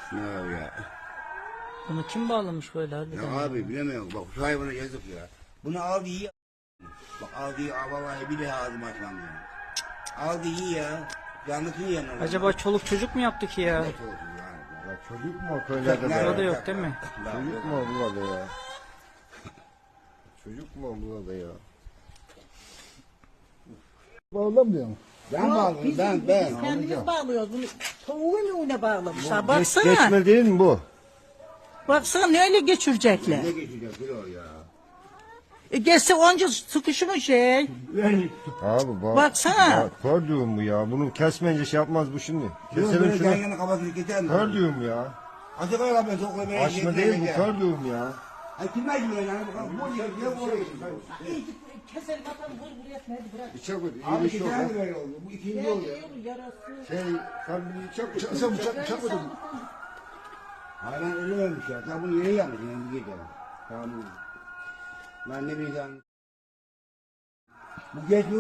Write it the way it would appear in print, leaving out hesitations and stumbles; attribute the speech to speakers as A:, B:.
A: Ne abi ya?
B: Bunu kim bağlamış böyle harbiden?
A: Ya abi bilemiyorum. Bak şu hayvana yazık ya. Bunu aldı iyi. Bak aldı iyi. Vallahi bir de ağzıma açmam ya. Aldı iyi ya. Canlısını yiyemem.
B: Acaba çoluk çocuk mu yaptı ki ya?
A: Ne olsun yani?
C: Ya çocuk mu o köylerde
B: Burada
C: be?
B: yok değil mi?
C: Çocuk mu o burada ya? Çocuk mu o burada ya?
D: Bağlamıyor mu?
A: Ben bağladım ben.
E: Kendimiz bağlıyoruz bunu. Tavuğun önüne bağlamışlar. Baksana.
C: Geçme değil mi bu?
E: Baksana ne öyle geçirecekler.
A: Ne geçecek kilo ya?
E: Geçse onca sıkışmış şey.
C: Abi bak.
E: Baksana.
C: Kör düğüm bu ya. Bunu kesmeyince şey yapmaz bu şimdi.
A: Yok
C: Keselim
A: böyle yan
C: şunu.
A: yana kafasını keser mi?
C: Kör düğüm ya.
A: Açık ara ben sokla beni.
C: Açma değil bu kör düğüm ya.
A: Ay kim acı böyle yani? Bu ne bu
E: Keselim atalım vur buraya etmedi bırak.
C: Bıçak ödü. İyi
A: Abi
C: bir
A: iki
C: şey yok.
A: tane böyle oldu. Bu ikinci oldu.
E: Yarası.
C: Sen bir bıçak
D: Sen bıçak mı dedin?
A: Hayvan ölmemiş ya. Sen bunu yeni yapmışsın. Yani gece. Tamam. Ben ne bileyim. Bu geç